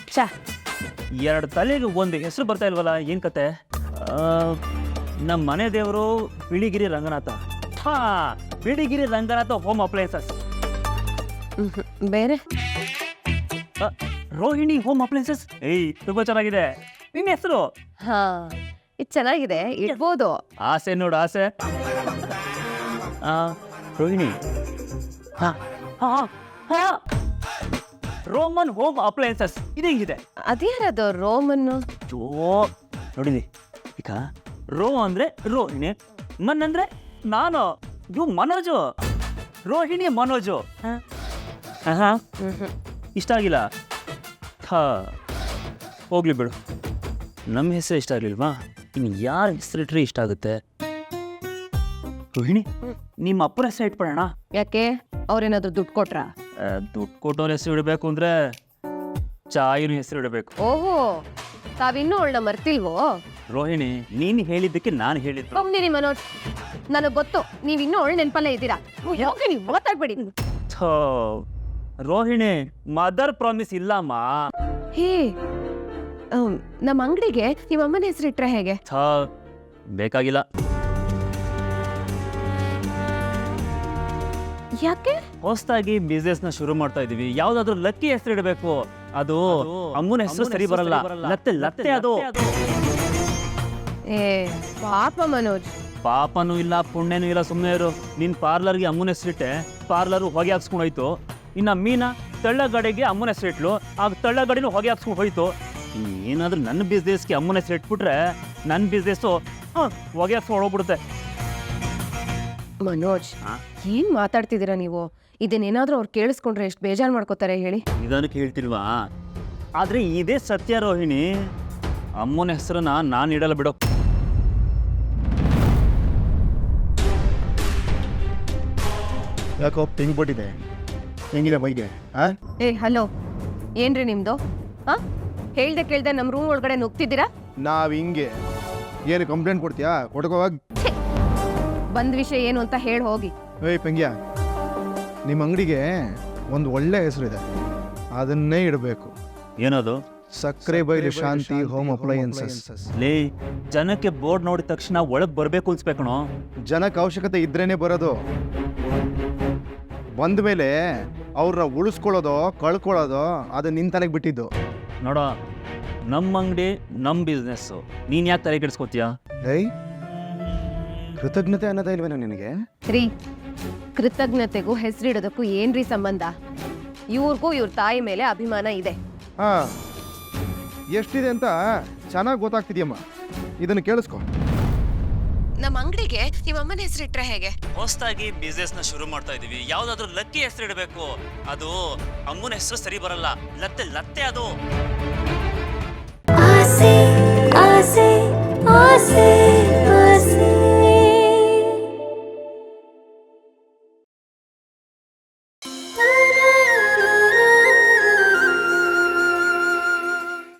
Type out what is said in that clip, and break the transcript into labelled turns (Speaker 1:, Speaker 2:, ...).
Speaker 1: ಛ, 2 ತಲೆಗೆ ಒಂದು ಹೆಸರು ಬರ್ತಾ ಇಲ್ವಲ್ಲ, ಏನು ಕತೆ? ನಮ್ಮ ಮನೆ ದೇವರು ಬಿಳಿಗಿರಿ ರಂಗನಾಥ. ಹಾ, ಬಿಳಿಗಿರಿ ರಂಗನಾಥ ಹೋಮ್ ಅಪ್ಲಯನ್ಸಸ್.
Speaker 2: ಬೇರೆ
Speaker 1: ರೋಹಿಣಿ ಹೋಮ್ ಅಪ್ಲಯನ್ಸಸ್. ಏಯ್, ತುಂಬಾ ಚೆನ್ನಾಗಿದೆ. ನಿನ್ನ ಹೆಸರು?
Speaker 2: ಹಾ, ಇದು ಚೆನ್ನಾಗಿದೆ, ಇಡ್ಬೋದು.
Speaker 1: ಆಸೆ ನೋಡು, ಆಸೆ. ರೋಹಿಣಿ. ಹಾ ಹಾ ಹಾ, ರೋಮನ್ ಹೋಮ್ ಅಪ್ಲಯನ್ಸಸ್. ಇದು ಹೆಂಗಿದೆ?
Speaker 2: ಅದ್ಯಾರದು ರೋಮನ್ನು?
Speaker 1: ಜೋ ನೋಡಿದಿ ಈಗ, ರೋ ಅಂದ್ರೆ ರೋಹಿಣಿ, ಮನ್ ಅಂದ್ರೆ ನಾನು, ಇವು ಮನೋಜು. ರೋಹಿಣಿ ಮನೋಜು. ಇಷ್ಟ ಆಗಿಲ್ಲ? ಹಾ, ಹೋಗ್ಲಿ ಬಿಡು. ನಮ್ಮ ಹೆಸರು ಇಷ್ಟ ಆಗಲಿಲ್ವಾ? ಇನ್ನು ಯಾರ ಹೆಸರಿಟ್ರೆ ಇಷ್ಟ ಆಗುತ್ತೆ? ರೋಹಿಣಿ, ನಿಮ್ಮ ಅಪ್ಪನ ಹೆಸರು ಇಟ್ಬಿಡೋಣ.
Speaker 2: ಯಾಕೆ, ಅವ್ರೇನಾದ್ರು ದುಡ್ಡು ಕೊಟ್ರಾ?
Speaker 1: ದುಡ್ಡು ಕೊಟ್ಟವ್ರ ಹೆಸರು ಇಡಬೇಕು ಅಂದ್ರೆ ಚಾಯಿನ ಹೆಸರು ಇಡಬೇಕು.
Speaker 2: ಓಹೋ, ತಾವಿನ್ನೂ ಅವಳನ್ನ ಮರ್ತಿಲ್ವೋ?
Speaker 1: ರೋಹಿಣಿ, ನೀನು ಹೇಳಿದ್ದಕ್ಕೆ ನಾನು ಹೇಳಿದ್ದು.
Speaker 2: ಒಮ್ನಿರಿ ಮನೋಜ್, ನನಗೆ ಗೊತ್ತು ನೀವಿನ್ನೂ ಅವಳು ನೆನಪಲ್ಲೇ ಇದ್ದೀರಾ. ಯಾಕೆ ನೀವು ಮಾತಾಡ್ಬೇಡಿ.
Speaker 1: ರೋಹಿಣಿ, ಮದರ್ ಪ್ರಾಮಿಸ್ ಇಲ್ಲಮ್ಮ.
Speaker 2: ಹೇ, ನಮ್ಮ ಅಂಗಡಿಗೆ ನಿಮ್ಮ ಅಮ್ಮನ ಹೆಸರಿಟ್ರೆ ಹೇಗೆ?
Speaker 1: ಬೇಕಾಗಿಲ್ಲ.
Speaker 2: ಯಾಕೆ?
Speaker 1: ಹೊಸದಾಗಿ ಬಿಸ್ನೆಸ್ ನ ಶುರು ಮಾಡ್ತಾ ಇದೀವಿ, ಯಾವ್ದಾದ್ರು ಲಕ್ಕಿ ಹೆಸರು ಇಡಬೇಕು. ಅದು ಅಮ್ಮನ ಹೆಸರು ಸರಿ ಬರಲ್ಲ. ಲತ್ತೆ ಲತ್ತೆ ಅದು.
Speaker 2: ಏ ಪಾಪ ಮನೋಜ್.
Speaker 1: ಪಾಪನೂ ಇಲ್ಲ, ಪುಣ್ಯನೂ ಇಲ್ಲ, ಸುಮ್ಮನೆ ಇರು. ನಿನ್ ಪಾರ್ಲರ್ಗೆ ಅಮ್ಮನ ಹೆಸರಿಟ್ಟೆ, ಪಾರ್ಲರ್ ಹೊಗೆ ಹಾಕ್ಸ್ಕೊಂಡು ಹೋಯ್ತು. ಇನ್ನ ಮೀನಾ ತಳ್ಳಗಡೆಗೆ ಅಮ್ಮನ ಹೆಸರಿಟ್ಲು, ಆಗ ತಳ್ಳಗಡೆನೂ ಹೊಗೆ ಹಾಕ್ಸ್ಕೊಂಡು ಹೋಯ್ತು. ಏನಾದ್ರೂ ನನ್ನ ಬಿಸ್ನೆಸ್ಗೆ ಅಮ್ಮನ ಹೆಸರು ಇಟ್ಬಿಟ್ರೆ ನನ್ನ ಬಿಸ್ನೆಸ್ಸು ಹೊಗೆ ಹಾಕ್ಸ್ಕೊಂಡು ಹೋಗ್ಬಿಡುತ್ತೆ.
Speaker 2: ಮನೋಜ್, ಏನ್ ಮಾತಾಡ್ತಿದ್ದೀರಾ ನೀವು? ಇದನ್ನೇನಾದ್ರೂ ಅವ್ರು ಕೇಳಿಸ್ಕೊಂಡ್ರೆ ಎಷ್ಟು ಬೇಜಾರು ಮಾಡ್ಕೋತಾರೆ ಹೇಳಿ.
Speaker 1: ಇದನ್ನು ಕೇಳ್ತಿಲ್ವಾ? ಆದ್ರೆ ಇದೇ ಸತ್ಯ ರೋಹಿಣಿ. ಅಮ್ಮನ ಹೆಸರನ್ನ ನಾನು ಇಡಲ್ಲ ಬಿಡೋ.
Speaker 3: ಯಾಕೋ ಪಿಂಗ್ ಬಿಟ್ಟಿದೆ, ಹೆಂಗಿದೆ ಬೈಗೆ?
Speaker 2: ಏ ಹಲೋ, ಏನ್ರಿ ನಿಮ್ದು? ಹೇಳ್ದೆ ಕೇಳ್ದೆ ನಮ್ಮ ರೂಮ್ ಒಳಗಡೆ ನುಗ್ತಿದ್ದೀರಾ?
Speaker 3: ನಾವ್ ಹಿಂಗೆ ಏನು ಕಂಪ್ಲೇಂಟ್ ಕೊಡ್ತೀಯಾ? ಕೊಡ್ಕೋವಾಗ
Speaker 2: ಬಂದ್ ವಿಷಯ ಏನು ಅಂತ ಹೇಳಿ ಹೋಗಿ.
Speaker 3: ಏಯ್ ಪೆಂಗ್ಯ, ನಿಮ್ಮ ಅಂಗಡಿಗೆ ಒಂದು ಒಳ್ಳೆ ಹೆಸರಿದೆ, ಅದನ್ನೇ ಇಡಬೇಕು.
Speaker 1: ಏನದು?
Speaker 3: ಸಕ್ಕರೆ ಬೈಲು ಶಾಂತಿ ಹೋಮ್ ಅಪ್ಲಯನ್ಸಸ್.
Speaker 1: ಲೇ, ಜನಕ್ಕೆ ಬೋರ್ಡ್ ನೋಡಿದ ತಕ್ಷಣ ಒಳಗೆ ಬರಬೇಕು ಅನ್ಸ್ಬೇಕಣೋ.
Speaker 3: ಜನಕ್ಕೆ ಅವಶ್ಯಕತೆ ಇದ್ರೇನೆ ಬರೋದು. ಬಂದ ಮೇಲೆ ಅವ್ರನ್ನ ಉಳಿಸ್ಕೊಳ್ಳೋದು ಕಳ್ಕೊಳ್ಳೋದು ಅದು ನಿನ್ ತಲೆಗೆ ಬಿಟ್ಟಿದ್ದು.
Speaker 1: ನೋಡೋ, ನಮ್ಮ ಅಂಗಡಿ ನಮ್ಮ ಬಿಸ್ನೆಸ್ಸು, ನೀನು ಯಾಕೆ ತಲೆ ಕೆಡಿಸ್ಕೋತೀಯ?
Speaker 3: ಏಯ್, ಕೃತಜ್ಞತೆ ಅನ್ನೋದೇ ಇಲ್ವೇನೋ ನಿನಗೆ?
Speaker 2: ರೀ, ಕೃತಜ್ಞತೆಗೂ ಹೆಸರಿಡೋದಕ್ಕೂ ಏನ್ರಿ ಸಂಬಂಧ? ಇವ್ರಿಗೂ ಇವ್ರ ತಾಯಿ ಮೇಲೆ ಅಭಿಮಾನ ಇದೆ.
Speaker 3: ಹಾ, ಎಷ್ಟಿದೆ ಅಂತ ಚೆನ್ನಾಗಿ ಗೊತ್ತಾಗ್ತಿದ್ಯಮ್ಮ. ಇದನ್ನು ಕೇಳಿಸ್ಕೊ.
Speaker 2: ನಮ್ಮ ಅಂಗಡಿಗೆ ನಿಮ್ಮ ಅಮ್ಮನ ಹೆಸರಿಟ್ರೆ ಹೇಗೆ?
Speaker 1: ಹೊಸದಾಗಿ ಬಿಸ್ನೆಸ್ ನ ಶುರು ಮಾಡ್ತಾ ಇದೀವಿ, ಯಾವ್ದಾದ್ರು ಲಕ್ಕಿ ಹೆಸರು ಇಡಬೇಕು. ಅದು ಅಮ್ಮನ ಹೆಸರು ಸರಿ ಬರಲ್ಲ. ಲತ್ತೆ ಲತ್ತೆ ಅದು.
Speaker 4: ಆಸೆ ಆಸೆ ಆಸೆ